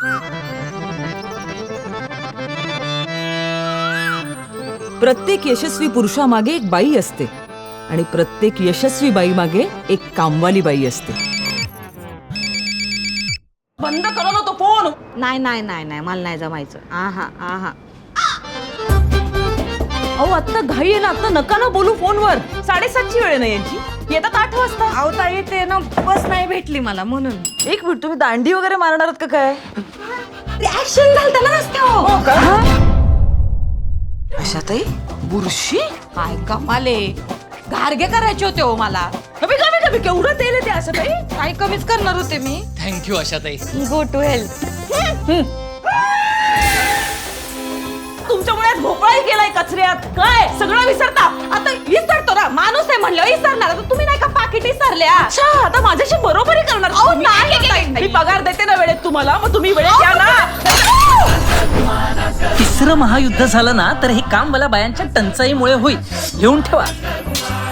प्रत्येक यशस्वी पुरुषामागे एक बाई असते आणि प्रत्येक यशस्वी बाई मागे एक कामवाली बाई असते. बंद करा ना तो फोन. नाही नाही नाही नाही मला नाही जमायचं. आहा आहा. अहो आत्ता घाई आहे ना, आता नका ना बोलू फोनवर. 7:30ची वेळ नाही यांची. येतात 8 वाजता. अहो ताई ते ना बस नाही भेटली मला म्हणून. एक मिनिट, तुम्ही दांडी वगैरे मारणार आहात का काय? ऍक्शन झालं त्याला रस्त्यावर. हो का? आशाताई बुरशी काय कमाले घारगे करायचे होते हो मला. कमी कमी कमी केवढं तेल आहे ते आशाताई. काय कमीच करणार होते मी. Thank you Ashatai. Go to health. तुमच्यामुळे आज भोपळाही केलाय कचऱ्यात. काय सगळं विसरता? आता विसरतो ना, माणूस आहे म्हणलं विसरणार. आता तुम्ही नाही का पाकिट विसरल्या. अच्छा, आता माझ्याशी बरोबरी करणार तुम्ही? मी पगार देते ना वेळेत तुम्हाला, मग तुम्ही वेळेत द्या ना. तिसरं महायुद्ध झालं ना तर हे काम मला बायांच्या टंचाईमुळे होईल. घेऊन ठेवा.